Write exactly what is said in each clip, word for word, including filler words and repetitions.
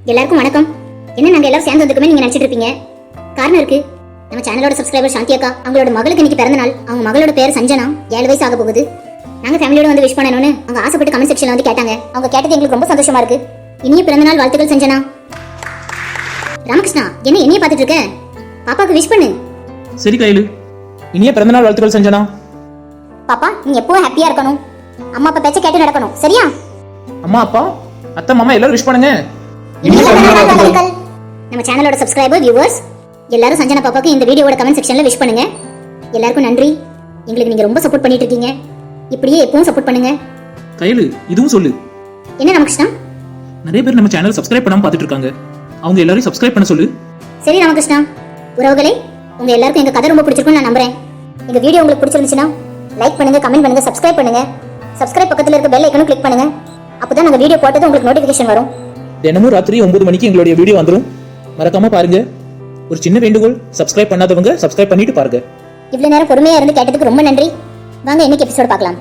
எல்லாருக்கும் வணக்கம். என்ன நாங்க எல்லாரும் சேர்ந்து வந்துக்குமே நீங்க நினைச்சிட்டு இருப்பீங்க. காரணம் இருக்கு. நம்ம சேனலோட சப்ஸ்கிரைபர் சாந்தி அக்கா அவங்களோட மகளுக்கு இன்னைக்கு பிறந்த நாள். அவங்க மகளோட பேர் சஞ்சனா. ஏழு வயசு ஆக போகுது. நாங்க ஃபேமிலியோட வந்து விஷ் பண்ணணும்னு அவங்க ஆசைப்பட்டு கமெண்ட் செக்ஷன்ல வந்து கேட்டாங்க. அவங்க கேட்டது எங்களுக்கு ரொம்ப சந்தோஷமா இருக்கு. இனிய பிறந்த நாள் வாழ்த்துக்கள் சஞ்சனா. ராமகிருஷ்ணா, என்ன என்னைய பார்த்துட்டு இருக்க? பாப்பாக்கு விஷ் பண்ணு. சரி கையில. இனிய பிறந்த நாள் வாழ்த்துக்கள் சஞ்சனா. பாப்பா, நீ எப்பவும் ஹாப்பியா இருக்கணும். அம்மா அப்பா பேச்ச கேட்டு நடக்கணும். சரியா? அம்மா அப்பா அத்தை மாமா எல்லாரும் விஷ் பண்ணுங்க. நம்ம சேனலோட சப்ஸ்கிரைபர் வியூவர்ஸ் எல்லாரும் சஞ்சனா பாப்பாக்கு இந்த வீடியோவோட கமெண்ட் செக்ஷன்ல விஷ் பண்ணுங்க. எல்லாருக்கும் நன்றி. எங்களுக்கு நீங்க ரொம்ப சப்போர்ட் பண்ணிட்டு இருக்கீங்க. இப்படியே எப்பவும் சப்போர்ட் பண்ணுங்க. கையில இதுவும் சொல்லு. என்ன ராமகிருஷ்ணா? நிறைய பேர் நம்ம சேனல் சப்ஸ்கிரைப் பண்ணாம பார்த்துட்டு இருக்காங்க. அவங்க எல்லாரும் சப்ஸ்கிரைப் பண்ண சொல்லு. சரி ராமகிருஷ்ணா. உறவுகளே, உங்க எல்லாருக்கும் எங்க கதை ரொம்ப பிடிச்சிருக்கும்னு நான் நம்புறேன். எங்க வீடியோ உங்களுக்கு பிடிச்சிருந்துச்சுன்னா லைக் பண்ணுங்க, கமெண்ட் பண்ணுங்க, சப்ஸ்கிரைப் பண்ணுங்க. சப்ஸ்கிரைப் பக்கத்துல இருக்க பெல் ஐகானை கிளிக் பண்ணுங்க. அப்பதான் நாங்க வீடியோ போட்டது உங்களுக்கு நோட்டிபிகேஷன் வரும். தினமும் ராத்திரி ஒன்பது மணிக்கு எங்களுடைய வீடியோ வந்துரும். மறக்காம பாருங்க. ஒரு சின்ன வேண்டுகோள், சப்ஸ்கிரைப் பண்ணாதவங்க சப்ஸ்கிரைப் பண்ணிட்டு பாருங்க. இவ்வளவு நேரம் பொறுமையா இருந்து கேட்டதுக்கு ரொம்ப நன்றி. வாங்க இன்னைக்கு எபிசோட் பார்க்கலாம்.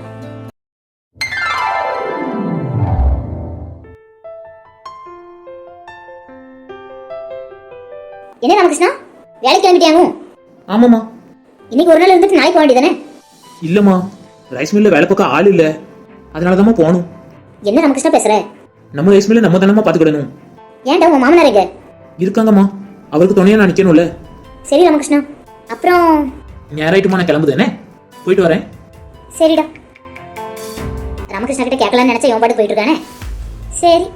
என்ன ராமகிருஷ்ணா, வேலைக்கு கிளம்பிட்டியாங்க? ஆமாமா. இன்னைக்கு ஒரு நாள் இருந்துட்டு நாளைக்கு வேண்டியதானே? இல்லம்மா, ரைஸ் மில்ல வேலை பார்க்க ஆள் இல்ல. அதனாலதான் போகணும். என்ன ராமகிருஷ்ணா பேசுற? நம்ம ரைஸ் மில்ல நம்ம தானமா பாத்துக்கிடணும். ஏன்டா உன் மாமனார் எங்க? இருக்காங்கம்மா. அவருக்கு துணையா நான் நிக்கணும்ல. சரி ராமகிருஷ்ணா. அப்புறம் ஞாயிறாயிட்டுமா நான் கிளம்புதேனே. போயிட்டு வரேன். சரிடா. ராமகிருஷ்ணா கிட்ட கேட்கலாம்னு நினைச்சா இவன் பாட்டு போயிட்டு இருக்கானே. சரி.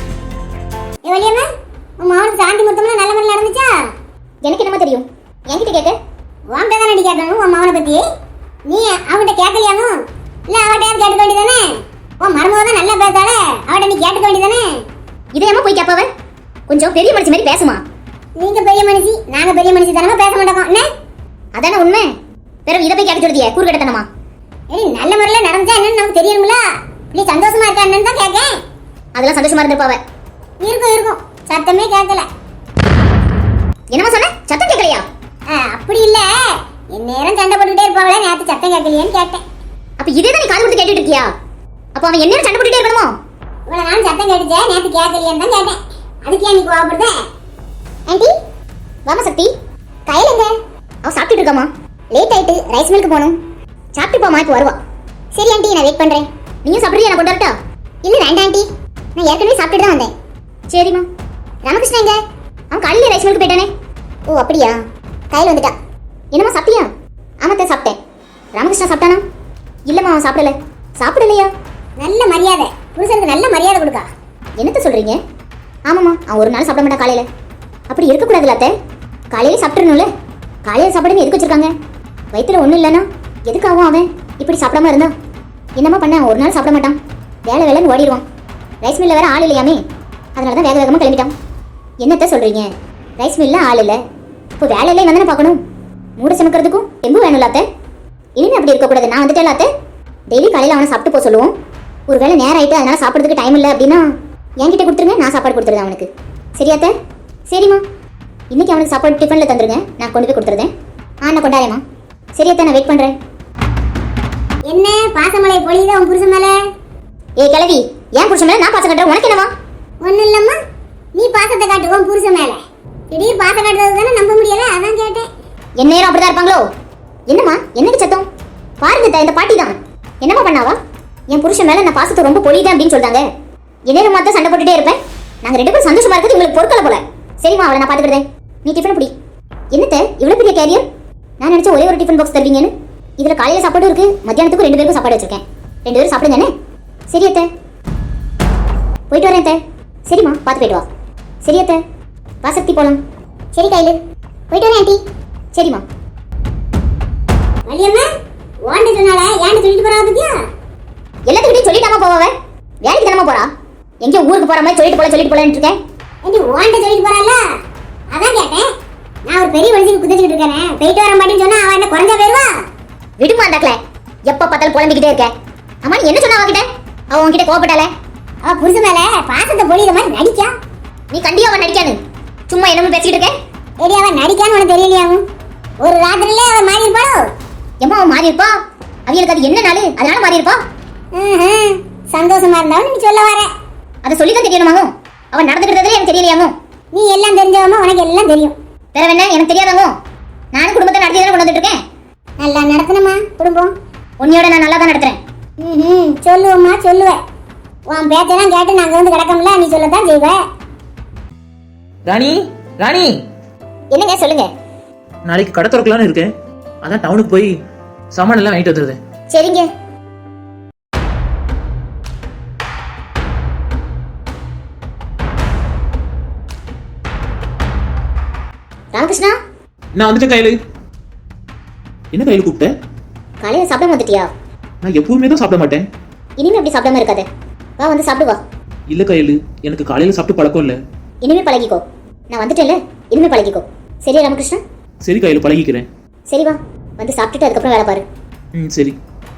ஏ வலியம்மா, உன் மாவனுக்கு சாந்தி முத்தம்னா நல்ல முறையில் நடந்துச்சா? எனக்கு என்னமா தெரியும்? என்கிட்ட கேட்க வாங்க தானே நீ கேட்கணும். உன் மாவனை பத்தி நீ அவன்கிட்ட கேட்கலையானோ? இல்ல அவட்டையாவது கேட்டுக்க வேண்டியதானே? உன் மருமக தான் நல்லா பேசாலே, அவட்ட நீ கேட்டுக்க வேண்டியதானே? இதையம்மா போய் கேட்பாவ? கொஞ்சம் பெரிய மனுஷி மாதிரி பேசுமா. நீங்க பெரிய மனுஷி, நாங்க பெரிய மனுஷி தானமா பேச மாட்டோம். என்ன அதானே உண்மை? பிறகு இதை போய் கேட்க சொல்றதியே கூறுகட்டத்தனமா? ஏய், நல்ல முறையில் நடந்துச்சா என்னன்னு நமக்கு தெரியணும்ல. நீ சந்தோஷமா இருக்கா என்னன்னு தான் கேட்கேன். அதெல்லாம் சந்தோஷமா இருந்திருப்பாவ. இருக்கும் இருக்கும், சத்தமே கேட்கல. என்னமா சொன்ன? சத்தம் கேட்கலையா? அப்படி இல்ல, என் நேரம் சண்டை போட்டுக்கிட்டே இருப்பாங்களே, நேற்று சத்தம் கேட்கலையேன்னு கேட்டேன். அப்ப இதே தான் நீ காது கொடுத்து கேட்டுட்டு இருக்கியா? அப்ப அவன் என்ன சண்டை போட்டுட்டே இருக்கணுமோ? இவ்வளவு நான் சத்தம் கேட்டுச்சே, நேற்று கேட்கலையேன்னு தான் கேட்டேன். அதுக்கு ஏன் நீ கோவப்படுத? ஆண்டி வாமா சக்தி. கையில எங்க? அவ சாப்பிட்டுட்டு இருக்காமா. லேட் ஆயிட்டு ரைஸ் மில்க்கு போகணும். சாப்பிட்டு போமா, இப்போ வருவா. சரி ஆண்டி, நான் வெயிட் பண்றேன். நீயும் சாப்பிடுறியா? நான் கொண்டு வரட்டா? இல்ல வேண்டாம் ஆண்டி, நான் ஏற்கனவே சாப்பிட்டுட்டு தான் வந்தேன். சரிம்மா. ராமகிருஷ்ணா எங்க? அவன் காலையில ரைஸ் மில்க்கு போயிட்டானே. ஓ அப்படியா? கையில் வந்துட்டா. என்னம்மா சாப்பிட்டியா? ஆமாத்த சாப்பிட்டேன். ராமகிருஷ்ணா சாப்பிட்டானா? இல்லம்மா, அவன் சாப்பிடல. சாப்பிடலையா? நல்ல மரியாதை, புருஷனுக்கு நல்ல மரியாதை கொடுக்கா. என்னத்த சொல்றீங்க? ஆமாம்மா, அவன் ஒரு நாள் சாப்பிட மாட்டான் காலையில. அப்படி இருக்கக்கூடாதுல்ல அத்தை. காலையில சாப்பிட்றணும்ல. காலையில சாப்பிடுன்னு எதுக்கு வச்சிருக்காங்க? வயிற்றுல ஒன்றும் இல்லைன்னா எதுக்காகவும் அவன் இப்படி சாப்பிடாம இருந்தா? என்னம்மா பண்ண, ஒரு நாள் சாப்பிட மாட்டான். வேலை வேலைன்னு ஓடிடுவான். ரைஸ் மில்ல வேற ஆள் இல்லையாமே, அதனால தான் வேக வேகமாக கிளம்பிட்டான். என்னத்த சொல்றீங்க? ரைஸ் மில்ல ஆள் இல்லை, இப்போ வேலையிலே வந்தானே பார்க்கணும். மூட சமைக்கிறதுக்கும் தெம்பு வேணும்ல அத்தை. இனிமே அப்படி இருக்கக்கூடாது. நான் வந்துட்டேன் அத்தை. டெய்லி காலையில் அவனை சாப்பிட்டு போக சொல்லுவோம். ஒரு வேளை நேரம் ஆயிட்டு அதனால சாப்பிட்றதுக்கு டைம் இல்லை அப்படின்னா என்கிட்ட கொடுத்துருங்க, நான் சாப்பாடு கொடுத்துருந்தேன் அவனுக்கு. சரியா அத்தை? சரிம்மா. இன்னைக்கு அவனுக்கு சாப்பாடு டிஃபனில் தந்துருங்க, நான் கொண்டு போய் கொடுத்துருந்தேன். ஆ, நான் கொண்டாரேம்மா. சரியாத்தா, நான் வெயிட் பண்ணுறேன். என்ன பாசமலை பொழியுதா உன் புருஷன் மேலே? ஏ கிழவி, ஏன் புருஷன் மேலே நான் பாசம் காட்டுறேன்? உனக்கு என்னவா? ஒன்றும் இல்லைம்மா, நீ பாசத்தை காட்டு உன் புருஷன் மேலே. திடீர் பாசம் காட்டுறது தானே நம்ப முடியல, அதான் கேட்டேன். என் நேரம் அப்படிதான் இருப்பாங்களோ? என்னம்மா, என்னக்கு சத்தம்? பாருங்க, இந்த பாட்டி தான். என்னம்மா பண்ணாவா? என் புருஷன் மேலே நான் பாசத்தை ரொம்ப பொழியுதேன் அப்படின்னு சொல்றாங்க. என் நேரம் மாத்த சண்டை போட்டுட்டே இருப்பேன். நாங்கள் ரெண்டு பேரும் சந்தோஷமா இருக்கிறது உங்களுக்கு பொறுக்கல போல. சரிம்மா, அவளை நான் பார்த்துக்கிறேன். நீ டிஃபன் பிடி. என்னத்த இவ்வளோ பெரிய கேரியர்? நான் நினைச்ச ஒரே ஒரு டிஃபன் பாக்ஸ் தருவீங்கன்னு. இதில் காலையில் சாப்பாடும் இருக்கு, மத்தியானத்துக்கும் ரெண்டு பேருக்கும் சாப்பாடு வச்சிருக்கேன். ரெண்டு பேரும் சாப்பிடுங்க. சரி அத்தை, போயிட்டு வரேன் அத்தை. சரிம்மா, பார்த்து போயிட்டு வா. சரி அத்தை, வா சக்தி போலாம். சரி கையில் போயிட்டு வரேன் ஆண்டி. சரிம்மா. வலியம்மா, வாண்ட சொன்னால ஏன்னு சொல்லிட்டு போறா பத்தியா? எல்லாத்துக்கிட்டையும் சொல்லிட்டாமா போவாவ? வேலைக்கு தானமா போறா? எங்கேயோ ஊருக்கு போற மாதிரி சொல்லிட்டு போல சொல்லிட்டு போலன்னு இருக்கேன். ஏண்டி வாண்ட சொல்லிட்டு போறால, அதான் கேட்டேன். நான் ஒரு பெரிய மனுஷனுக்கு குதிச்சுட்டு இருக்கேன், போயிட்டு வர மாட்டேன்னு சொன்னா அவன் என்ன குறைஞ்சா போயிருவா? விடுமா அந்தாக்கல, எப்ப பார்த்தாலும் புலம்பிக்கிட்டே இருக்க. அம்மா நீ என்ன சொன்ன அவகிட்ட? அவ உன்கிட்ட கோவப்பட்டால? அவ புருஷன் மேல பாசத்தை பொழியிற மாதிரி நடிக்கா. நீ கண்டியா அவன் நடிக்கானு சும்மா என்னமோ பேசிக்கிட்டு இருக்க. ஏடி அவன் நடிக்கான்னு உனக்கு தெரியலையாவும்? ஒரு ராத்திரிலே அவன் மாறி இருப்பாளோ? எம்மா அவன் மாறி இருப்பா. அவங்களுக்கு அது என்ன நாள், அதனால மாறி இருப்பா. சந்தோஷமா இருந்தாலும் நீ சொல்ல வர. அதை சொல்லிதான் தெரியணுமாகும். அவன் நடந்துக்கிறதுல எனக்கு தெரியலையாமோ? நீ எல்லாம் தெரிஞ்சவமா, உனக்கு எல்லாம் தெரியும். வேற என்ன எனக்கு தெரியாதாமோ? நானும் குடும்பத்தை நடத்தி தானே கொண்டு வந்துட்டு இருக்கேன். நல்லா நடத்தணுமா குடும்பம்? உன்னையோட நான் நல்லா தான் நடத்துறேன். ம் சொல்லுவோம்மா சொல்லுவேன். உன் பேச்செல்லாம் கேட்டு நாங்க வந்து கிடக்கோம்ல, நீ சொல்லத்தான் செய்வ. ராணி ராணி என்னங்க சொல்லுங்க. நாளைக்கு கடை திறக்கலான்னு இருக்கேன். அதான் டவுனுக்கு போய் சாமான் எல்லாம் வாங்கிட்டு வந்துருது. சரிங்க. ராமகிருஷ்ணா, நான் வந்துட்டேன் கையில. என்ன கையில கூப்பிட்ட? காலையில சாப்பிட வந்துட்டியா? நான் எப்பவுமே தான் சாப்பிட மாட்டேன். இனிமே அப்படி சாப்பிடாம இருக்காத. வா வந்து சாப்பிடு வா. இல்ல கையில, எனக்கு காலையில சாப்பிட்டு பழக்கம் இல்ல. இனிமே பழகிக்கோ. நான் வந்துட்டேன்ல, இனிமே பழகிக்கோ. சரியா ராமகிருஷ்ணா? சரி கையில, பழகிக்கிறேன். சரி வா, வந்து சாப்பிட்டுட்டு அதுக்கப்புறம் வேலை பாரு. ம் சரி.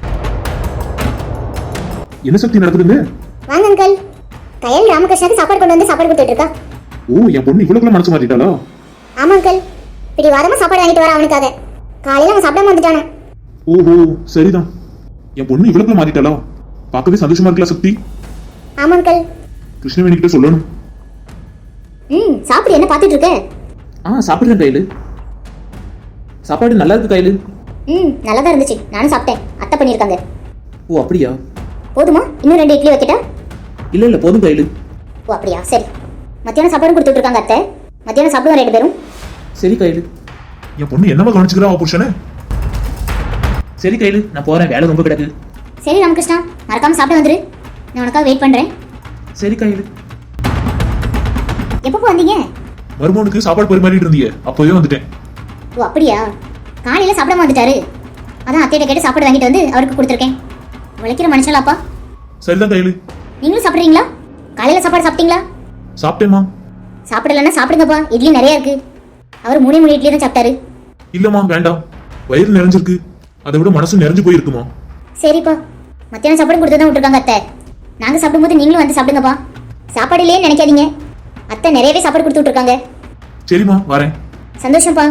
என்ன சக்தி நடக்குதுங்க? வாங்க அங்கிள். கையல் ராமகிருஷ்ணாக்கு சாப்பாடு கொண்டு வந்து சாப்பாடு கொடுத்துட்டு இருக்கா. ஓ, என் பொண்ணு இவ்வளவுக்குள்ள மனசு மாத்திட்டாளா? ஆமா அங்கிள், இப்படி வாரமா சாப்பாடு வாங்கிட்டு வர அவனுக்காக. காலையில அவன் சாப்பிடாம வந்துட்டானே. ஓஹோ, சரிதான். என் பொண்ணு இவ்வளவுக்குள்ள மாத்திட்டாளா? பார்க்கவே சந்தோஷமா இருக்கல சக்தி. ஆமா அங்கிள். கிருஷ்ணவேணி கிட்ட சொல்லணும். ம் சாப்பிடு, என்ன பார்த்துட்டு இருக்க? ஆ சாப்பிடுறேன் கையில. சாப்பாடு நல்லா இருக்கு கையில. ம் நல்லா தான் இருந்துச்சு, நானும் சாப்பிட்டேன். அத்தை பண்ணியிருக்காங்க. ஓ அப்படியா? போதுமா? இன்னும் ரெண்டு இட்லி வைக்கிட்டா? இல்ல இல்ல போதும் கையில. ஓ அப்படியா, சரி. மத்தியானம் சாப்பாடும் கொடுத்துட்டு இருக்காங்க அத்தை. மத்தியானம் சாப்பிடுவோம் ரெண்டு பேரும். சரி கையில. என் பொண்ணு என்னவா கவனிச்சுக்கிறா அவ புருஷனை? சரி கையில, நான் போறேன், வேலை ரொம்ப கிடக்கு. சரி ராமகிருஷ்ணா, மறக்காம சாப்பிட்டு வந்துரு. நான் உனக்காக வெயிட் பண்றேன். சரி கையில. எப்போ வந்தீங்க? மருமகனுக்கு சாப்பாடு பரிமாறிட்டு இருந்தீங்க, அப்பவே வந்துட்டேன். ஓ அப்படியா? காலையில சாப்பிடாம வந்துட்டாரு. அதான் அத்தையிட்ட கேட்டு சாப்பாடு வாங்கிட்டு வந்து அவருக்கு கொடுத்துருக்கேன். உழைக்கிற மனுஷனாப்பா. சரிதான் கையில. நீங்களும் சாப்பிட்றீங்களா? காலையில சாப்பாடு சாப்பிட்டீங்களா? சாப்பிட்டேமா. சாப்பிடலன்னா சாப்பிடுங்கப்பா, இட்லி நிறைய இருக்கு. அவர் மூணு மூணு இட்லி தான் சாப்பிட்டாரு. இல்லம்மா வேண்டாம், வயிறு நிறைஞ்சிருக்கு. அதை விட மனசு நிறைஞ்சு போயிருக்குமா. சரிப்பா, மத்தியானம் சாப்பாடு கொடுத்து தான் விட்டுருக்காங்க அத்தை. நாங்க சாப்பிடும்போது நீங்களும் வந்து சாப்பிடுங்கப்பா. சாப்பாடு இல்லையே நினைக்காதீங்க, அத்தை நிறையவே சாப்பாடு கொடுத்து விட்டுருக்காங்க. சரிம்மா வரேன். சந்தோஷம்ப்பா.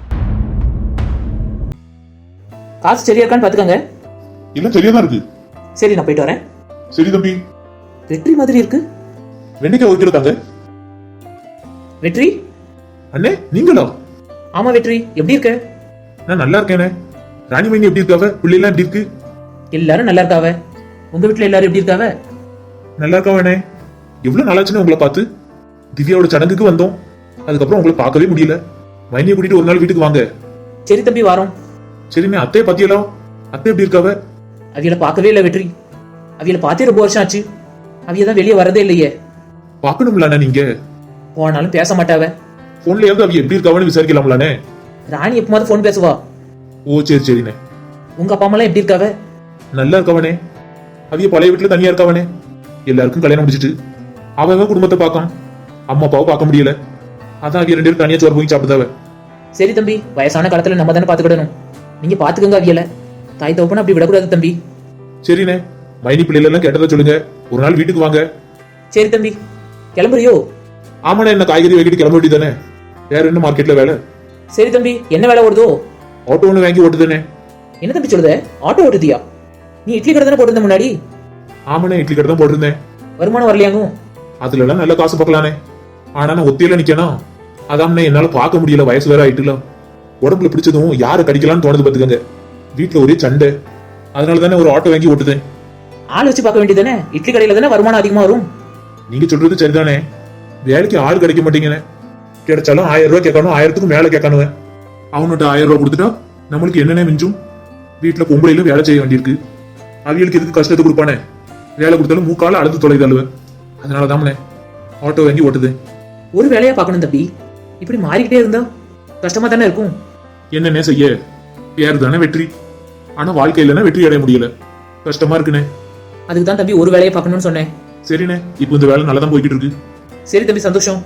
காசு சரியா இருக்கான்னு பாத்துக்கங்க. இல்ல சரியாதான் இருக்கு. சரி நான் போயிட்டு வரேன். சரி தம்பி. வெற்றி மாதிரி இருக்கு. வெண்டைக்காய் வைக்கிறதாங்க. வெற்றி அண்ணே நீங்களா? ஆமா வெற்றி, எப்படி இருக்க? நான் நல்லா இருக்கேனே. ராணி மைனி எப்படி இருக்காவ? பிள்ளைலாம் எப்படி இருக்கு? எல்லாரும் நல்லா இருக்காவ. உங்க வீட்டுல எல்லாரும் எப்படி இருக்காவ? நல்லா இருக்காவண்ணே. எவ்வளவு நாளாச்சுன்னு உங்களை பார்த்து. திவ்யாவோட சடங்குக்கு வந்தோம், அதுக்கப்புறம் உங்களை பார்க்கவே முடியல. மைனியை கூட்டிட்டு ஒரு நாள் வீட்டுக்கு வாங்க. சரி தம்பி வாரோம். சரிண்ணே. அத்தையை பத்தியலாம், அத்தை எப்படி இருக்காவ? அவியல பார்க்கவே இல்லை வெற்றி. அவியல பார்த்தே ரொம்ப வருஷம் ஆச்சு. அவிய தான் வெளியே வரதே இல்லையே. பாக்கணும்லாண்ணே நீங்க. போனாலும் பேச மாட்டாவ. போன்லயாவது அவிய எப்படி இருக்காவன்னு விசாரிக்கலாம்லானே. ராணி எப்பமாவது போன் பேசுவா. ஓ சரி சரிண்ணே. உங்க அப்பா அம்மா எப்படி இருக்காவ? நல்லா இருக்கவனே. அவிய பழைய வீட்டுல தனியா இருக்கவனே. எல்லாருக்கும் கல்யாணம் முடிச்சிட்டு அவன் குடும்பத்தை பார்க்கான், அம்மா அப்பாவை பார்க்க முடியல. அதான் அவிய ரெண்டு பேரும் தனியா சோறு போய் சாப்பிடுதாவ. சரி தம்பி, வயசான காலத்துல நம்ம தானே பாத்துக்கிடணும். நீங்க பாத்துக்கங்க அவியல. தாய் தோப்பன அப்படி விடக்கூடாது தம்பி. சரிண்ணே. மைனி பிள்ளைல எல்லாம் கேட்டதா சொல்லுங்க, ஒரு நாள் வீட்டுக்கு வாங்க. சரி தம்பி, கிளம்புறியோ? ஆமாண்ணே, என்ன காய்கறி வாங்கிட்டு கிளம்ப வேண்டியதானே. வேற என்ன மார்க்கெட்ல வேலை? சரி தம்பி, என்ன வேலை ஓடுதோ? ஆட்டோ ஒண்ணு வாங்கி ஓட்டுதானே. என்ன தம்பி சொல்லுத? ஆட்டோ ஓட்டுதியா? நீ இட்லி கடை தானே போட்டிருந்த முன்னாடி? ஆமாண்ணே, இட்லி கடை தான் போட்டிருந்தேன். வருமானம் வரலையாங்கும்? அதுல எல்லாம் நல்ல காசு பார்க்கலானே. ஆனா நான் ஒத்தையில நிக்கணும். அதாம்னே என்னால பார்க்க முடியல, வயசு வேற ஆயிட்டுலாம். உடம்புல பிடிச்சதும் யாரை கடிக்கலாம்னு தோணுது பாத்துக்கங்க. வீட்டுல ஒரே சண்டை, அதனால தானே ஒரு ஆட்டோ வாங்கி ஓட்டுதேன். ஆள் வச்சு பார்க்க வேண்டியதானே? இட்லி கடையில தானே வருமானம் அதிகமா வரும். நீங்க சொல்றது சரிதானே. வேலைக்கு ஆள் கிடைக்க மாட்டீங்கன்னு. கிடைச்சாலும் ஆயிரம் ரூபாய் கேட்கணும், ஆயிரத்துக்கும் மேல கேட்கணும். அவன்கிட்ட ஆயிரம் ரூபாய் கொடுத்துட்டா நம்மளுக்கு என்னென்ன மிஞ்சும்? வீட்டுல பொம்பளையில வேலை செய்ய வேண்டியிருக்கு. அவியலுக்கு எதுக்கு கஷ்டத்தை கொடுப்பானே? வேலை கொடுத்தாலும் மூக்கால அழுத்து தொலைது அழுவேன். அதனாலதானே ஆட்டோ வாங்கி ஓட்டுது. ஒரு வேலையா பார்க்கணும் தம்பி. இப்படி மாறிக்கிட்டே இருந்தா கஷ்டமா தானே இருக்கும். என்னென்ன செய்ய? பேரு தானே வெற்றி. ஆனா வாழ்க்கையிலனா வெற்றி அடைய முடியல, கஷ்டமா இருக்குனே. அதுக்கு தான் தம்பி ஒரு வேலையை பார்க்கணும்னு சொன்னேன். சரிண்ணே, இப்போ இந்த வேலை நல்லா தான் போய்கிட்டு இருக்கு. சரி தம்பி, சந்தோஷம்.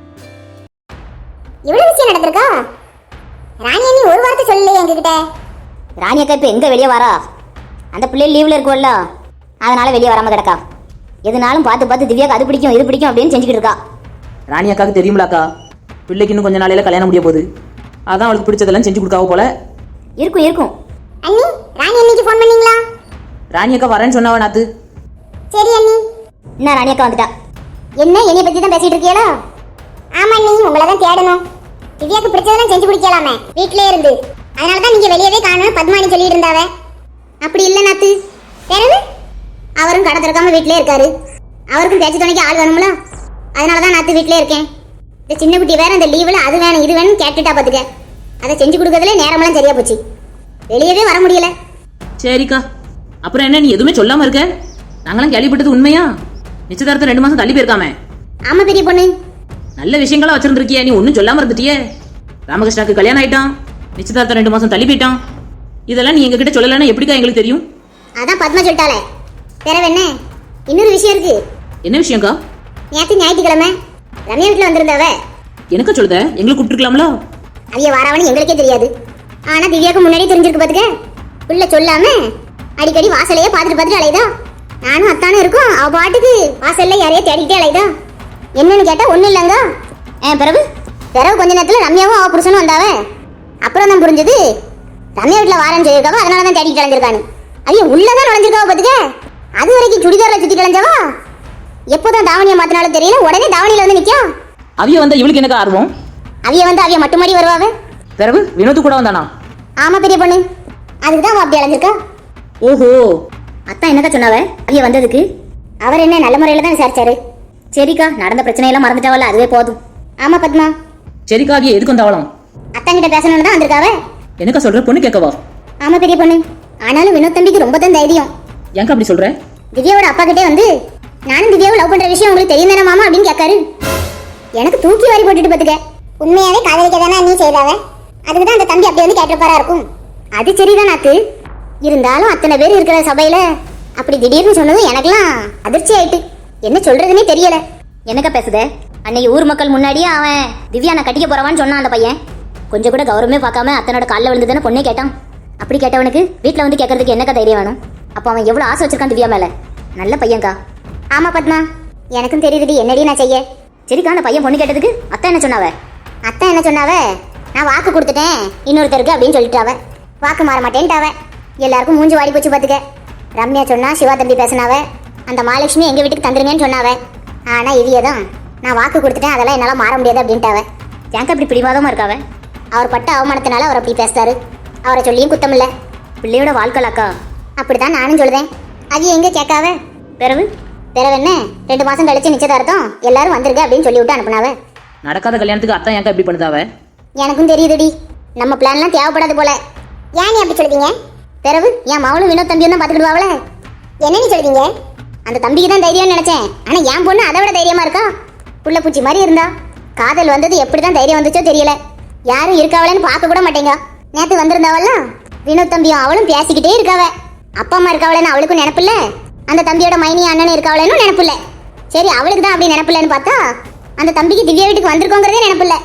இவ்வளவு விஷயம் நடந்திருக்கா? ராணி அண்ணி ஒரு வார்த்தை சொல்லலையே எங்ககிட்ட. ராணி அக்கா இப்ப எங்க வெளியே வரா? அந்த பிள்ளை லீவ்ல இருக்கும்ல, அதனால வெளியே வராம கிடக்கா. எதுனாலும் பார்த்து பார்த்து திவ்யாக்கு அது பிடிக்கும் இது பிடிக்கும் அப்படின்னு செஞ்சுக்கிட்டு இருக்கா. ராணி அக்காவுக்கு தெரியும்லாக்கா, பிள்ளைக்கு இன்னும் கொஞ்ச நாளையில கல்யாணம் முடிய போகுது. அதான் அவளுக்கு பிடிச்சதெல்லாம் செஞ்சு கொடுக்காவோ போல. இருக்கும் இருக்கும். அண்ணி, ராணி அண்ணிக்கு ஃபோன் பண்ணீங்களா? ராணி அக்கா வரேன்னு சொன்னாவா நாத்து. சரி அண்ணி. என்ன ராணி அக்கா வந்துட்டா. என்ன என்னைய பத்தி தான் பேசிட்டு இருக்கீங்களா? ஆமா நீ உங்களை தான் தேடணும். திவ்யாக்கு பிடிச்சதெல்லாம் செஞ்சு குடிக்கலாமே வீட்லயே இருந்து. அதனால தான் நீங்க வெளியவே காணணும் பத்மானி சொல்லிட்டு இருந்தாவ. அப்படி இல்ல நாத்து. பிறகு அவரும் கடை திறக்காம வீட்லயே இருக்காரு. அவருக்கும் பேச்சு துணைக்கு ஆள் வேணும்ல. அதனால தான் நாத்து வீட்லயே இருக்கேன். இந்த சின்ன குட்டி வேற இந்த லீவுல அது வேணும் இது வேணும் கேட்டுட்டா பாத்துக்க. அதை செஞ்சு கொடுக்கறதுல நேரமெல்லாம் சரியா போச்சு. வெளியவே வர முடியல. சரிக்கா, அப்புறம் என்ன நீ எதுவுமே சொல்லாம இருக்க? நாங்களாம் கேள்விப்பட்டது உண்மையா? நிச்சயதார்த்தம் ரெண்டு மாசம் தள்ளி போயிருக்காமே. ஆமா பெரிய பொண்ணு. நல்ல விஷயங்களா வச்சிருந்திருக்கிய, நீ ஒன்னும் சொல்லாம இருந்துட்டியே. ராமகிருஷ்ணாக்கு கல்யாணம் ஆயிட்டான், நிச்சயதார்த்தம் ரெண்டு மாசம் தள்ளி போயிட்டான். இதெல்லாம் நீ எங்க கிட்ட சொல்லலன்னா எப்படிக்கா எங்களுக்கு தெரியும்? அதான் பத்மா சொல்லிட்டாளே. பிறகு என்ன? இன்னொரு விஷயம் இருக்கு. என்ன விஷயம்க்கா? நேற்று ஞாயிற்றுக்கிழமை ரம்யா வீட்டுல வந்திருந்தாவ. எனக்கா சொல்லுத? எங்களுக்கு கூப்பிட்டுருக்கலாம்ல. அவைய வாராவன்னு எங்களுக்கே தெரியாது. ஆனா திவ்யாவுக்கு முன்னாடி தெரிஞ்சிருக்கு பாத்துக்க. உள்ள சொல்லாம அடிக்கடி வாசலையே பாத்துட்டு பாத்துட்டு அலைதா. நானும் அத்தானும் இருக்கும். அவ பாட்டுக்கு வாசல்ல யாரையே தேடிக்கிட்டே அலைதா. என்னன்னு கேட்டா ஒண்ணும் இல்லங்க. ஏன் பிறகு பிறகு கொஞ்ச நேரத்துல ரம்யாவும் அவ புருஷனும் வந்தாவ. அப்புறம் தான் புரிஞ்சது ரம்யா வீட்டுல வாரன்னு சொல்லியிருக்காவ. அதனாலதான் தேடிட்டு அலைஞ்சிருக்கானு. அவைய உள்ளதான் நுழைஞ்சிருக்காவ பாத்துக்க. அது வரைக்கும் சுடிதாரில் சுத்தி கிளஞ்சவா எப்போதான் தாவணியை மாத்தினாலும் தெரியல. உடனே தாவணியில வந்து நிக்கும். அவிய வந்தா இவளுக்கு எனக்கு ஆர்வம். அவிய வந்து அவிய மட்டுமாடி வருவாவ. பிறகு வினோத்து கூட வந்தானா? ஆமா பெரிய பொண்ணு. அதுக்குதான் அவ அப்படி அலைஞ்சிருக்கா. ஓஹோ, அத்தான் என்னக்கா சொன்னாவ அவிய வந்ததுக்கு? அவர் என்ன நல்ல முறையில தான் விசாரிச்சாரு. சரிக்கா, நடந்த பிரச்சனையெல்லாம் மறந்துட்டாவல்ல, அதுவே போதும். ஆமா பத்மா. சரிக்கா, அவிய எதுக்கு வந்தாவலாம்? அத்தான் கிட்ட பேசணும்னு தான் வந்திருக்காவ. எனக்கா சொல்ற? பொண்ணு கேட்கவா? ஆமா பெரிய பொண்ணு. ஆனாலும் வினோத் தம்பிக்கு ரொம்ப தான் தைரியம். ஏங்க அப்படி சொல்ற? திவ்யாவோட அப்பா கிட்டே வந்து நானும் திவ்யாவை லவ் பண்ற விஷயம் உங்களுக்கு தெரியும் தானே மாமா அப்படின்னு கேட்காரு. எனக்கு தூக்கி வாரி போட்டுட்டு பாத்துக்க. உண்மையாவே காதலிக்க தானே நீ செய்தாவ. அதுக்கு தான் அந்த தம்பி அப்படி வந்து கேட்டிருப்பாரா இருக்கும். அது சரிதான் நாத்து. இருந்தாலும் அத்தனை பேர் இருக்கிற சபையில அப்படி திடீர்னு சொன்னதும் எனக்கெல்லாம் அதிர்ச்சி ஆயிட்டு. என்ன சொல்றதுன்னே தெரியல. என்னக்கா பேசுத? அன்னைக்கு ஊர் மக்கள் முன்னாடியே அவன் திவ்யா நான் கட்டிக்க போறவான்னு சொன்னான் அந்த பையன். கொஞ்சம் கூட கௌரவமே பார்க்காம அத்தனோட காலில் விழுந்துதானே பொண்ணே கேட்டான். அப்படி கேட்டவனுக்கு வீட்டில் வந்து கேட்கறதுக்கு என்னக்கா தைரியம் வேணும்? அப்போ அவன் எவ்வளோ ஆசை வச்சிருக்கான் திவ்யா மேல. நல்ல பையன்க்கா. ஆமா பத்மா, எனக்கும் தெரியுதுடி. என்னடி நான் செய்ய? சரிக்கா, அந்த பையன் பொண்ணு கேட்டதுக்கு அத்தா என்ன சொன்னாவ? அத்தா என்ன சொன்னாவ? நான் வாக்கு கொடுத்துட்டேன் இன்னொருத்தருக்கு அப்படின்னு சொல்லிட்டாவ. வாக்கு மாற மாட்டேன்ட்டாவ. எல்லாருக்கும் மூஞ்சி வாடி போச்சு பாத்துக்க. ரம்யா சொன்னா சிவா தம்பி பேசினாவ. அந்த மகாலட்சுமி எங்க வீட்டுக்கு தந்துருங்கன்னு சொன்னாவ. ஆனா இவிய தான் நான் வாக்கு கொடுத்துட்டேன் அதெல்லாம் என்னால மாற முடியாது அப்படின்ட்டாவ. ஏங்க அப்படி பிடிவாதமா இருக்காவ? அவர் பட்ட அவமானத்தினால அவர் அப்படி பேசுறாரு. அவரை சொல்லியும் குத்தம் இல்ல. பிள்ளையோட வாழ்க்கலாக்கா. அப்படித்தான் நானும் சொல்றேன். அது எங்க கேட்காவ? பிறகு பிறகு என்ன? ரெண்டு மாசம் கழிச்சு நிச்சயதார்த்தம் எல்லாரும் வந்துருங்க அப்படின்னு சொல்லி விட்டு அனுப்புனாவ. நடக்காத கல்யாணத்துக்கு அத்தான் ஏங்க இப்படி பண்ணுதாவ? எனக்கும் தெரியுதுடி. நம்ம பிளான்லாம் தேவைப்படாது போல. ஏன் நீ அப்படி சொல்றீங்க? பிறகு என் மவளும் வினோத் தம்பியும் தான் பாத்துக்கிடுவாங்களே. என்ன நீ சொல்றீங்க? அந்த தம்பிக்கு தான் தைரியம்னு நினைச்சேன். ஆனா என் பொண்ணு அதை விட தைரியமா இருக்கா. புள்ள பூச்சி மாதிரி இருந்தா. காதல் வந்தது எப்படிதான் தைரியம் வந்துச்சோ தெரியல. யாரும் இருக்காவளேன்னு பார்க்க கூட மாட்டேங்க. நேத்து வந்திருந்தாவல்ல வினோத் தம்பியும் அவளும் பேசிக்கிட்டே இருக்காவ. அப்பா அம்மா இருக்காவளேன்னு அவளுக்கும் நினைப்பில்ல. அந்த தம்பியோட மைனி அண்ணனும் இருக்காவளேன்னு நினைப்பில்ல. சரி, அவளுக்கு தான் அப்படி நினைப்பில்லன்னு பார்த்தா அந்த தம்பிக்கு திவ்யா வீட்டுக்கு வந்திருக்கோங்கிறதே நினைப்பில்ல.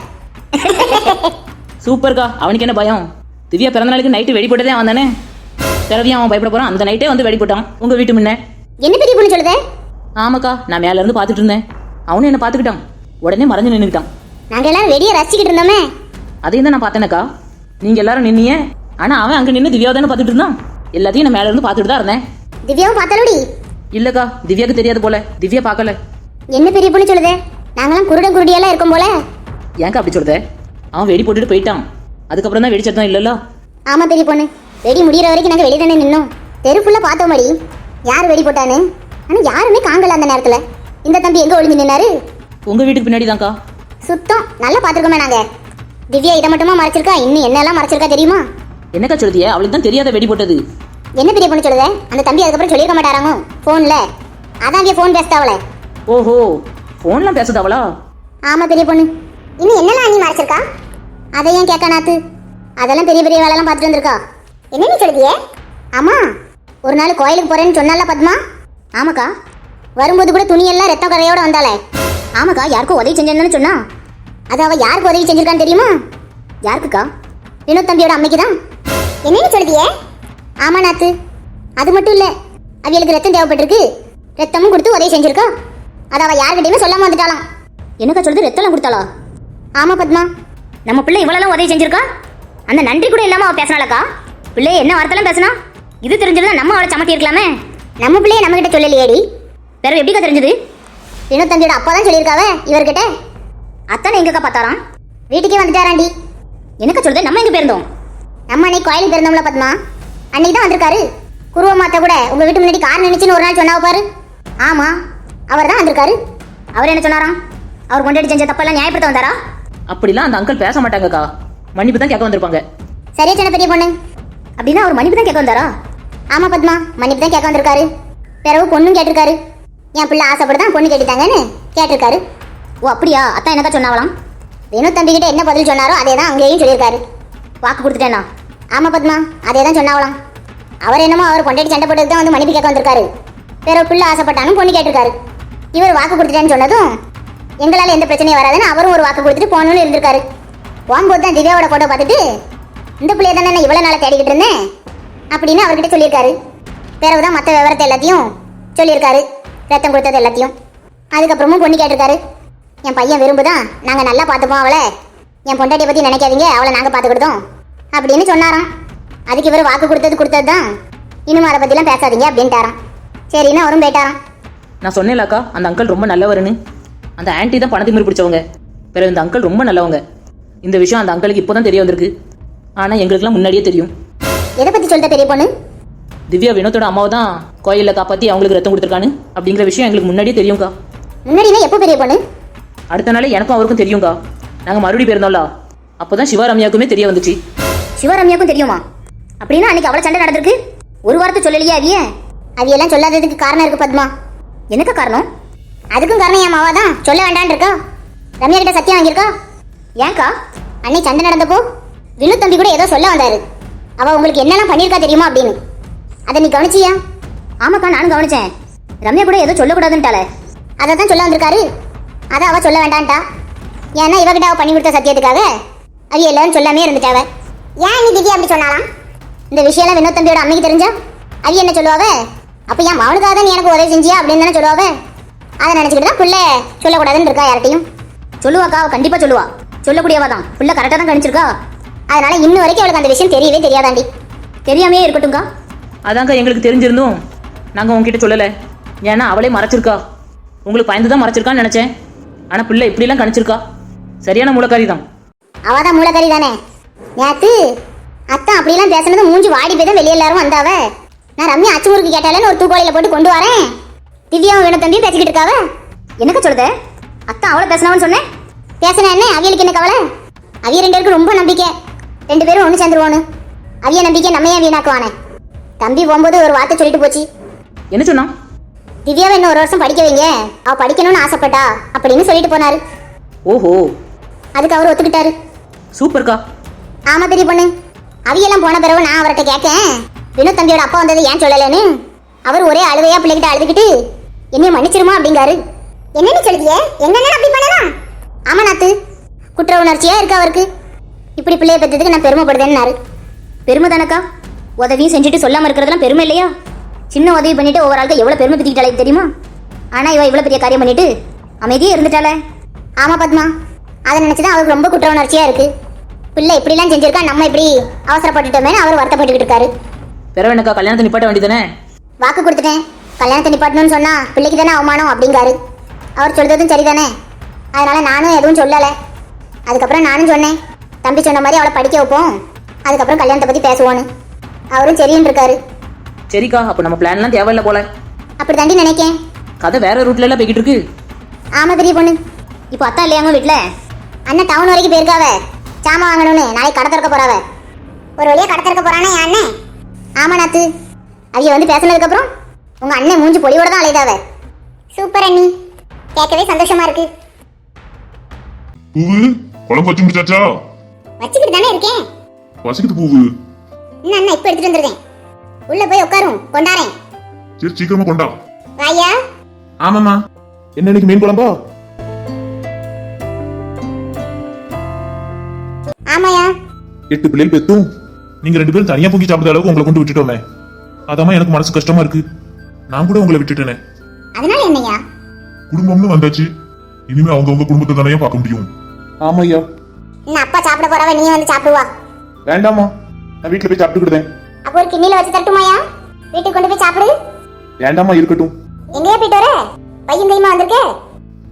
சூப்பர்க்கா. அவனுக்கு என்ன பயம்? திவ்யா பிறந்த நாளைக்கு நைட்டு வெடி போட்டதே அவன் தானே. பிறவியும் அவன் பயப்பட போறான். அந்த நைட்டே வந்து வெடி போட்டான் உங்க வீட்டு முன்ன. என்ன பெரிய பொண்ணு சொல்லுதே? ஆமாக்கா, நான் மேல இருந்து பாத்துட்டு இருந்தேன். அவனும் என்ன பாத்துக்கிட்டான். உடனே மறைஞ்சு நின்னுக்கிட்டான். நாங்க எல்லாரும் வெடியை ரசிச்சுக்கிட்டு இருந்தோமே. அதையும் தான் நான் பார்த்தேனக்கா. நீங்க எல்லாரும் நின்னீங்க. ஆனா அவன் அங்க நின்று திவ்யாவை தானே பாத்துட்டு இருந்தான். எல்லாத்தையும் நான் மேல இருந்து பாத்துட்டு தான் இருந்தேன். திவ்யாவும் பார்த்தாலோடி? இல்லக்கா, திவ்யாக்கு தெரியாது போல. திவ்யா பார்க்கல. என்ன பெரிய பொண்ணு சொல்லுதே? நாங்களாம் குருடன் குருடியெல்லாம் இருக்கும் போல. ஏங்க அப்படி சொல்லுத? அவன் வெடி போட்டுட்டு போயிட்டான். அதுக்கப்புறம் தான் வெடிச்சதான் இல்லல்ல. ஆமா பெரிய பொண்ணு, வெடி முடிகிற வரைக்கும் நாங்க வெளியே தானே நின்னோம். தெரு ஃபுல்லா பார்த்தோம் மடி யார் வெடி போட்டான்னு. ஆனா யாருமே காங்கல அந்த நேரத்துல. இந்த தம்பி எங்க ஒளிஞ்சு நின்னாரு? உங்க வீட்டுக்கு பின்னாடி தான்க்கா. சுத்தம் நல்லா பாத்துருக்கோமே நாங்க. திவ்யா இதை மட்டுமா மறைச்சிருக்கா? இன்னும் என்னெல்லாம் மறைச்சிருக்கா தெரியுமா? என்னக்கா சொல்லுதியே? அவளுக்கு தான் தெரியாத வெடி போட்டது. என்ன பெரிய பொண்ணு சொல்லுதே? அந்த தம்பி அதுக்கப்புறம் சொல்லியிருக்க மாட்டாராங்க போன்ல. அதான் போன் பேசுதாவளே. ஓஹோ, போன்லாம் பேசுது அவளா? ஆமா பெரிய பொண்ணு. இன்னும் என்னெல்லாம் நீ மறைச்சிருக்கா? அதை ஏன் கேட்க நாத்து? அதெல்லாம் பெரிய பெரிய வேலைலாம் பார்த்துட்டு வந்திருக்கா. என்ன நீ சொல்லுதியே? ஆமா, ஒரு நாள் கோயிலுக்கு போறேன்னு சொன்னால பத்மா. ஆமாக்கா, வரும்போது கூட துணியெல்லாம் ரத்த கரையோட வந்தாளே. ஆமாக்கா, யாருக்கும் உதவி செஞ்சேன்னு சொன்னா. அது அவ யாருக்கு உதவி செஞ்சிருக்கான்னு தெரியுமா? யாருக்குக்கா? வினோத் தம்பியோட அம்மைக்கு தான். என்னன்னு சொல்லுதியே? ஆமா நாத்து, அது மட்டும் இல்ல, அவளுக்கு ரத்தம் தேவைப்பட்டிருக்கு. ரத்தமும் கொடுத்து உதவி செஞ்சிருக்கா. அது அவ யாருக்கிட்டையுமே சொல்லாம வந்துட்டாலாம். என்னக்கா சொல்லுது? ரத்தம் கொடுத்தாளா? ஆமா பத்மா, நம்ம பிள்ளை இவ்வளவு உதவி செஞ்சிருக்கா. அந்த நன்றி கூட இல்லாம அவ பேசினாலக்கா. பிள்ளை என்ன வார்த்தைலாம் பேசினா? இது தெரிஞ்சதுன்னா நம்ம அவளை சமட்டி இருக்கலாமே. நம்ம பிள்ளைய நம்ம கிட்ட சொல்லலையேடி. வேற எப்படிக்கா தெரிஞ்சது? வினோத் தம்பியோட அப்பா தான் சொல்லியிருக்காவ இவர்கிட்ட. அத்தானே எங்கக்கா பார்த்தாராம்? வீட்டுக்கே வந்துட்டாராண்டி. என்னக்கா சொல்லுது? நம்ம எங்க போயிருந்தோம்? நம்ம அன்னைக்கு கோயிலுக்கு போயிருந்தோம்ல பத்மா, அன்னைக்கு தான் வந்திருக்காரு. குருவ மாத்த கூட உங்க வீட்டு முன்னாடி கார் நினைச்சுன்னு ஒரு நாள் சொன்னாவ பாரு. ஆமா, அவர் தான் வந்திருக்காரு. அவர் என்ன சொன்னாராம்? அவர் கொண்டாடி செஞ்ச தப்பெல்லாம் நியாயப்படுத்த வந்தாரா? அப்படிலாம் அந்த அங்கிள் பேச மாட்டாங்கக்கா, மன்னிப்பு தான் கேட்க வந்திருப்பாங்க. சரியா சொன்ன பெரிய பொண்ணு. அப்படின்னா அவர் மன்னிப்பு தான் கேட்க வந்தாரா? ஆமா பத்மா, மன்னிப்பு தான் கேட்க வந்திருக்காரு. பிறகு பொண்ணும் கேட்டிருக்காரு. என் பிள்ளை ஆசைப்படுதான் பொண்ணு கேட்டுட்டாங்கன்னு கேட்டிருக்காரு. ஓ அப்படியா? அத்தான் என்னக்கா சொன்னாவலாம்? வினோத் தம்பி கிட்ட என்ன பதில் சொன்னாரோ அதே தான் அங்கேயும் சொல்லியிருக்காரு. வாக்கு கொடுத்துட்டேன்னா? ஆமா பத்மா, அதே தான் சொன்னாவலாம். அவர் என்னமோ அவர் கொண்டாடி சண்டை போட்டதுக்கு தான் வந்து மன்னிப்பு கேட்க வந்திருக்காரு. பிறகு பிள்ளை ஆசைப்பட்டாலும் பொண்ணு கேட்டிருக்காரு. இவர் வாக்கு கொடுத்துட்டேன்னு சொன்னதும் எங்களால் எந்த பிரச்சனையும் வராதுன்னு அவரும் ஒரு வாக்கு கொடுத்துட்டு போகணும்னு இருந்திருக்காரு. போகும்போது தான் திவ்யாவோட போட்டோ பார்த்துட்டு இந்த பிள்ளைய தானே நான் இவ்வளோ நாளாக தேடிக்கிட்டு இருந்தேன் அப்படின்னு அவர்கிட்ட சொல்லியிருக்காரு. பிறகுதான் மற்ற விவரத்தை எல்லாத்தையும் சொல்லியிருக்காரு, ரத்தம் கொடுத்தது எல்லாத்தையும். அதுக்கப்புறமும் பொண்ணு கேட்டிருக்காரு. என் பையன் விரும்புதான், நாங்கள் நல்லா பார்த்துப்போம் அவளை, என் பொண்டாட்டியை பற்றி நினைக்காதீங்க, அவளை நாங்கள் பார்த்துக்கிட்டோம் அப்படின்னு சொன்னாராம். அதுக்கு இவர் வாக்கு கொடுத்தது கொடுத்தது தான், இன்னும் அதை பற்றிலாம் பேசாதீங்க அப்படின்ட்டாராம். சரின்னு அவரும் போயிட்டாராம். நான் சொன்னேன்லக்கா, அந்த அங்கிள் ரொம்ப நல்லவருன்னு. அந்த ஆன்ட்டி தான் பணத்தை மீறி பிடிச்சவங்க. பிறகு இந்த அங்கிள் ரொம்ப நல்லவங்க. இந்த விஷயம் அந்த அங்கிளுக்கு இப்போ தான் தெரிய வந்திருக்கு. ஆனால் எங்களுக்குலாம் முன்னாடியே தெரியும். எதை பற்றி சொல்லிட்ட பெரிய பொண்ணு? திவ்யா வினோத்தோட அம்மாவை தான் கோயிலில் காப்பாற்றி அவங்களுக்கு ரத்தம் கொடுத்துருக்கான்னு அப்படிங்கிற விஷயம் எங்களுக்கு முன்னாடியே தெரியும்க்கா. முன்னாடினா எப்போ பெரிய பொண்ணு? அடுத்த நாள் எனக்கும் அவருக்கும் தெரியும்க்கா. நாங்கள் மறுபடியும் போயிருந்தோம்ல, அப்போ தான் சிவரம்யாவுக்குமே தெரிய வந்துச்சு. சிவரம்யாவுக்கும் தெரியுமா? அப்படின்னா அன்னைக்கு அவ்வளோ சண்டை நடந்திருக்கு. ஒரு வாரத்தை சொல்லலையா அவிய? அவியெல்லாம் சொல்லாததுக்கு காரணம் இருக்கு பத்மா. எனக்கு காரணம்? அதுக்கும் காரணம் என் மாவா தான் சொல்ல வேண்டான் இருக்கா. ரம்யா கிட்ட சத்தியம் வாங்கியிருக்கா. ஏன்க்கா? அன்னைக்கு சண்டை நடந்தப்போ வினோத் தம்பி கூட ஏதோ சொல்ல வந்தாரு. அவ உங்களுக்கு என்னெல்லாம் பண்ணியிருக்கா தெரியுமா அப்படின்னு. அதை நீ கவனிச்சியா? ஆமாக்கா, நானும் கவனிச்சேன். ரம்யா கூட ஏதோ சொல்லக்கூடாதுன்ட்டால, அதை தான் சொல்ல வந்திருக்காரு. அதை அவ சொல்ல வேண்டான்ட்டா. ஏன்னா இவகிட்ட அவ பண்ணி கொடுத்த சத்தியத்துக்காக அவ எல்லாரும் சொல்லாமே இருந்துட்டாவ. ஏன் நீ திவ்யா அப்படி சொன்னாலாம்? இந்த விஷயம்லாம் வினோத் தம்பியோட அம்மைக்கு தெரிஞ்சா அவ என்ன சொல்லுவாவ? அப்போ என் மவனுக்காக தான் நீ எனக்கு உதவி செஞ்சியா அப்படின்னு தானே சொல்லுவாவ. அதை நினச்சிக்கிட்டு தான் பிள்ளை சொல்லக்கூடாதுன்னு இருக்கா யார்ட்டையும். சொல்லுவாக்கா, அவள் கண்டிப்பாக சொல்லுவா. சொல்லக்கூடியவா தான். பிள்ளை கரெக்டாக தான் கணிச்சிருக்கா. அதனால இன்னும் வரைக்கும் அவளுக்கு அந்த விஷயம் தெரியவே தெரியாதாண்டி. தெரியாமையே இருக்கட்டும்க்கா. அதாங்க எங்களுக்கு தெரிஞ்சிருந்தும் நாங்கள் உங்ககிட்ட சொல்லலை. ஏன்னா அவளே மறைச்சிருக்கா. உங்களுக்கு பயந்து தான் மறைச்சிருக்கான்னு நினச்சேன். ஆனால் பிள்ளை இப்படிலாம் கணிச்சிருக்கா. சரியான மூலக்காரி தான். அவள் தான் மூலக்காரி தானே. நேற்று அத்தான் அப்படிலாம் பேசுனது மூஞ்சி வாடி போய் தான் வெளியே எல்லாரும் வந்தாவ. நான் ரம்யா அச்சு முறுக்கு கேட்டாலேன்னு ஒரு தூக்கோலையில் போட்டு கொண்டு வரேன். திவ்யாவும் வினோத் தம்பியும் பேசிக்கிட்டு இருக்காவ. எனக்கு சொல்லுத? அத்தான் அவளை பேசினவன்னு சொன்னேன். பேசினா என்ன? அவியலுக்கு என்ன கவலை? அவிய ரெண்டு பேருக்கு ரொம்ப நம்பிக்கை. ரெண்டு பேரும் ஒன்று சேர்ந்துருவோன்னு. அவிய நம்பிக்கை நம்ம ஏன் வீணாக்குவானே? தம்பி போகும்போது ஒரு வார்த்தை சொல்லிட்டு போச்சு. என்ன சொன்னா? திவ்யாவை இன்னும் ஒரு வருஷம் படிக்க வைங்க, அவ படிக்கணும்னு ஆசைப்பட்டா அப்படின்னு சொல்லிட்டு போனாரு. ஓஹோ, அதுக்கு அவர் ஒத்துக்கிட்டாரு. சூப்பர்க்கா. ஆமா பெரிய பொண்ணு. அவியெல்லாம் போன பிறகு நான் அவர்கிட்ட கேட்கேன், வினோத் தம்பியோட அப்பா வந்தது ஏன் சொல்லலைன்னு. அவர் ஒரே அழுவையா பிள்ளைகிட்ட அழுதுகிட்டு என்னைய மன்னிச்சிருமா அப்படிங்காரு. என்னன்னு சொல்லுதியே? எங்க அப்படி பண்ணலாம்? ஆமா நாத்து, குற்ற உணர்ச்சியா இருக்கு அவருக்கு. இப்படி பிள்ளைய பெற்றதுக்கு நான் பெருமைப்படுதேன்னாரு. பெருமை தானக்கா. உதவியும் செஞ்சுட்டு சொல்லாம இருக்கிறதுலாம் பெருமை இல்லையா? சின்ன உதவி பண்ணிட்டு ஒவ்வொரு ஆளுக்கு எவ்வளவு பெருமை பத்திக்கிட்டாலே தெரியுமா? ஆனா இவ இவ்வளவு பெரிய காரியம் பண்ணிட்டு அமைதியே இருந்துட்டாளே. ஆமா பத்மா, அதை நினைச்சுதான் அவருக்கு ரொம்ப குற்ற உணர்ச்சியா இருக்கு. பிள்ளை இப்படிலாம் செஞ்சிருக்கா, நம்ம இப்படி அவசரப்பட்டுட்டோமே அவர் வருத்தப்பட்டுக்கிட்டு இருக்காரு. பிறவனுக்கா கல்யாணத்தை நிப்பாட்ட வேண்டியதானே? வாக்கு கொடுத்துட்டேன். கல்யாணத்தை நிப்பாட்டணும்னு சொன்னா பிள்ளைக்கு தானே அவமானம் அப்படிங்காரு. அவர் சொல்றதும் சரிதானே. அதனால நானும் எதுவும் சொல்லலை. அதுக்கப்புறம் நானும் சொன்னேன், தம்பி சொன்ன மாதிரி அவளை படிக்க வைப்போம், அதுக்கப்புறம் கல்யாணத்தை பத்தி பேசுவோன்னு. அவரும் சரின்னு இருக்காரு. சரிக்கா, அப்போ நம்ம பிளான்லாம் தேவையில்லை போல. அப்படி தாண்டி நினைக்கேன். கதை வேற ரூட்ல எல்லாம் போய்கிட்டு இருக்கு. ஆமா பெரிய பொண்ணு. இப்போ அத்தா இல்லையாங்க வீட்டுல? அண்ணன் டவுன் வரைக்கும் போயிருக்காவ, சாமான் வாங்கணும்னு. நாளைக்கு கடை திறக்க போறாவ. ஒரு வழியா கடை திறக்க போறானே என் அண்ணன். ஆமா நாத்து, அவிய வந்து பேசினதுக்கு அப்புறம் உங்க அண்ணன் மூஞ்சி பொலியோட தான் அலைதாவ. சூப்பர் அண்ணி, கேட்கவே சந்தோஷமா இருக்கு. பூவு குழம்பு வச்சு முடிச்சாச்சா? வச்சுக்கிட்டு தானே இருக்கேன். வசிக்குது பூவு. இன்னும் அண்ணா இப்ப எடுத்துட்டு வந்துருக்கேன். உள்ள போய் உட்காரும், கொண்டாரேன். சரி சீக்கிரமா கொண்டா. வாயா. ஆமாமா. என்ன இன்னைக்கு மீன் குழம்பா? ஆமாயா. எட்டு பிள்ளைகள் பெத்தும் நீங்க ரெண்டு பேரும் தனியா பொங்கி சாப்பிட்ட அளவுக்கு உங்களை கொண்டு விட்டுட்டோமே. அதாம எனக்கு மனசு கஷ்டமா இருக்கு. நான் கூட உங்களை விட்டுட்டேனே. அதனால என்னையா? குடும்பம்னு வந்தாச்சு, இனிமே அவங்க உங்க குடும்பத்தை தானே பார்க்க முடியும். ஆமா ஐயா. இன்னும் அப்பா சாப்பிட போறவ நீ வந்து சாப்பிடுவா. வேண்டாமா, நான் வீட்டுல போய் சாப்பிட்டுக்கிட்டேன். அப்போ ஒரு கிண்ணில வச்சு தட்டுமாயா? வீட்டுக்கு கொண்டு போய் சாப்பிடு. வேண்டாமா, இருக்கட்டும். எங்கேயா போயிட்டு வர? பையன் கைமா வந்திருக்க?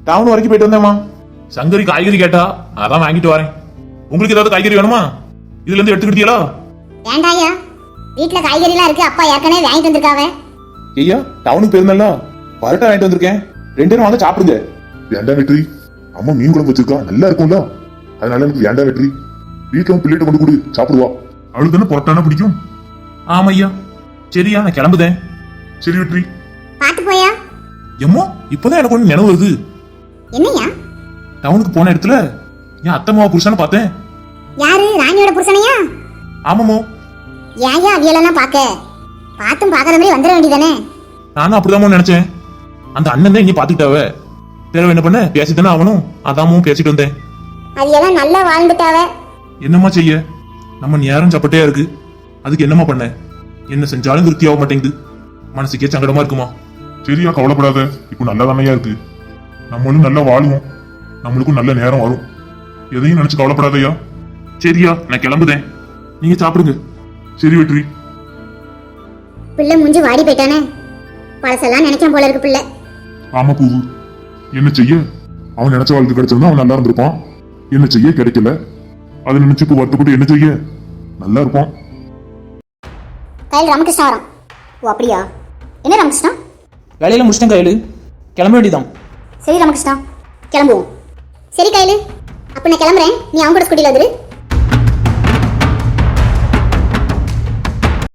டவுன் வரைக்கும் போயிட்டு வந்தேம்மா. சங்கரி காய்கறி கேட்டா அதான் வாங்கிட்டு வரேன். உங்களுக்கு ஏதாவது காய்கறி வேணுமா? இதுல இருந்து எடுத்துக்கிட்டீங்களா? வேண்டாயா, வீட்டுல காய்கறி எல்லாம் இருக்கு. அப்பா ஏற்கனவே வாங்கிட்டு வந்திருக்காவ. ஐயா டவுனுக்கு போயிருந்தல்ல, பரோட்டா வாங்கிட்டு வந்திருக்கேன். ரெண்டு பேரும் வாங்க சாப்பிடுங்க. வேண்டாம் வெற்றி, அம்மா மீன் குழம்பு வச்சிருக்கா, நல்லா இருக்கும்ல, அதனால எனக்கு வேண்டாம் வெற்றி. வீட்டுல பிள்ளைகிட்ட கொண்டு கொடு, சாப்பிடுவா. அவளுக்கு தானே பரோட்டானா பிடிக்கும். ஆமா ஐயா. சரியா, நான் கிளம்புதேன். சரி வெற்றி. பாத்து போயா. எம்மோ இப்பதான் எனக்கு ஒண்ணு நினைவு வருது. என்னையா? டவுனுக்கு போன இடத்துல என் அத்தம்மாவ புருஷனை பார்த்தேன். யாரு? ராணியோட புருஷனையா? ஆமாமோ. ஏயா அவியலெல்லாம் பாக்க? பாத்தும் பாக்குற மாதிரி வந்துட வேண்டியதானே. நானும் அப்படிதான் நினைச்சேன். அந்த அண்ணன் தான் இனி பாத்துக்கிட்டாவ. பிறகு என்ன பண்ண, பேசித்தானே அவனும், அதாமும் பேசிட்டு வந்தேன். அவியெல்லாம் நல்லா வாழ்ந்துட்டாவ. என்னம்மா செய்ய, நம்ம நேரம் சப்பட்டையா இருக்கு. அதுக்கு என்னம்மா பண்ண? என்ன செஞ்சாலும் திருப்தி ஆக மாட்டேங்குது. மனசுக்கே சங்கடமா இருக்குமா. சரியா, கவலைப்படாத, இப்போ நல்லா தானையா இருக்கு. நம்மளும் நல்லா வாழுவோம், நம்மளுக்கும் நல்ல நேரம் வரும். எதையும் நினைச்சு கவலைப்படாதயா. சரியா, நான் கிளம்புதேன். நீங்க சாப்பிடுங்க. சரி வெற்றி. பிள்ளை மூஞ்சி வாடி போயிட்டானே. பழசெல்லாம் நினைக்காம போல இருக்கு பிள்ளை. ஆமா பூவு, என்ன செய்ய, அவன் நினைச்ச வாழ்க்கை கிடைச்சிருந்தா அவன் நல்லா இருந்திருப்பான். என்ன செய்ய, கிடைக்கல. அதை நினைச்சு இப்போ வருத்தப்பட்டு என்ன செய்ய, நல்லா இருப்பான். கையில் ராமகிருஷ்ணா வரான். ஓ அப்படியா? என்ன ராமகிருஷ்ணா? வேலையில முடிச்சிட்டேன் கையில், கிளம்ப வேண்டியதான். சரி ராமகிருஷ்ணா, கிளம்புவோம். சரி கையில், அப்ப நான் கிளம்புறேன். நீ அவங்க கூட ஸ்கூட்டியில் வந்துரு.